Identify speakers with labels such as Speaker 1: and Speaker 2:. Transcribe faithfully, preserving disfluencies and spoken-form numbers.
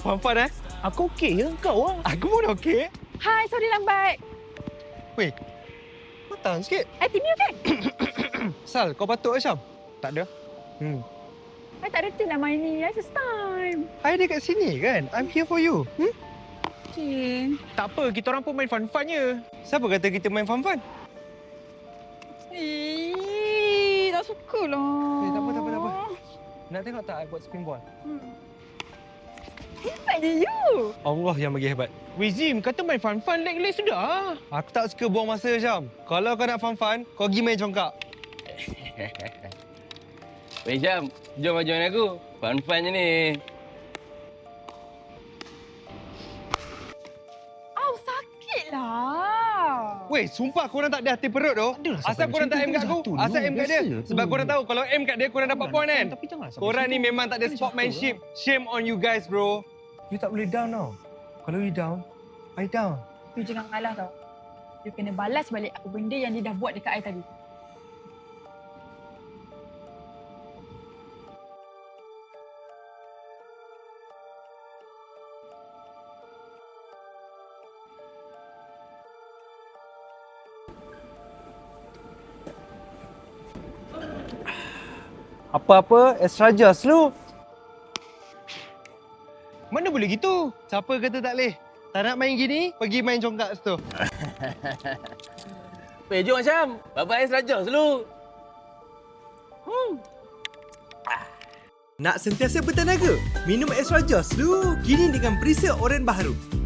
Speaker 1: fun-fun eh?
Speaker 2: Aku okey ke kau ah?
Speaker 1: Aku pun okey.
Speaker 3: Hai, sorry lambat.
Speaker 1: Weh, matang sikit.
Speaker 3: I T M U kan?
Speaker 1: Sal, kau batuk ke Syam?
Speaker 2: Tak ada.
Speaker 1: Hmm.
Speaker 3: I tak reti nak main ni. I first time.
Speaker 1: I ada kat sini kan? I'm here for you. Hmm?
Speaker 3: Okay.
Speaker 2: Tak apa, kita orang pun main fun-fun je.
Speaker 1: Siapa kata kita main fun-fun?
Speaker 3: Eh, tak suka lah.
Speaker 1: Eh, tak apa, tak apa, tak apa. Nak tengok tak I buat spin ball?
Speaker 3: Hmm. Hebatnya you.
Speaker 1: Allah yang bagi hebat.
Speaker 2: Weh Zim, kata main fun-fun leg-leg sudah.
Speaker 1: Aku tak suka buang masa, Syam. Kalau kau nak fun-fun, kau pergi main congkak.
Speaker 4: Wei Syam, jom join aku. Fun-fun je ni.
Speaker 3: Au, sakit lah.
Speaker 1: Weh, sumpah korang tak ada hati perut tu.
Speaker 2: Adalah,
Speaker 1: Asal
Speaker 2: sampai
Speaker 1: korang tak
Speaker 2: macam
Speaker 1: aim
Speaker 2: tu
Speaker 1: kat aku,
Speaker 2: jatuh
Speaker 1: asal
Speaker 2: dulu.
Speaker 1: aim kat dia.
Speaker 2: Biasa tu.
Speaker 1: Sebab korang tahu kalau aim kat dia, korang dapat point kan?
Speaker 2: Tapi janganlah sampai
Speaker 1: Korang ni
Speaker 2: situ.
Speaker 1: memang tak ada
Speaker 2: Boleh
Speaker 1: sportsmanship.
Speaker 2: jatuh
Speaker 1: Shame on you guys, bro. You tak boleh down tau. Kalau you down, I down.
Speaker 3: You jangan ngalah tau. You kena balas balik apa benda yang dia dah buat dekat I tadi.
Speaker 1: Apa-apa, extra just lu.
Speaker 2: Mana boleh gitu?
Speaker 1: Siapa kata tak boleh? Tak nak main gini, pergi main congkak situ.
Speaker 4: Wei, jom Syam. Bapak Ais rajah dulu.
Speaker 5: Nak sentiasa bertenaga? Minum Extra Joss dulu. Kini dengan perisa oren baharu.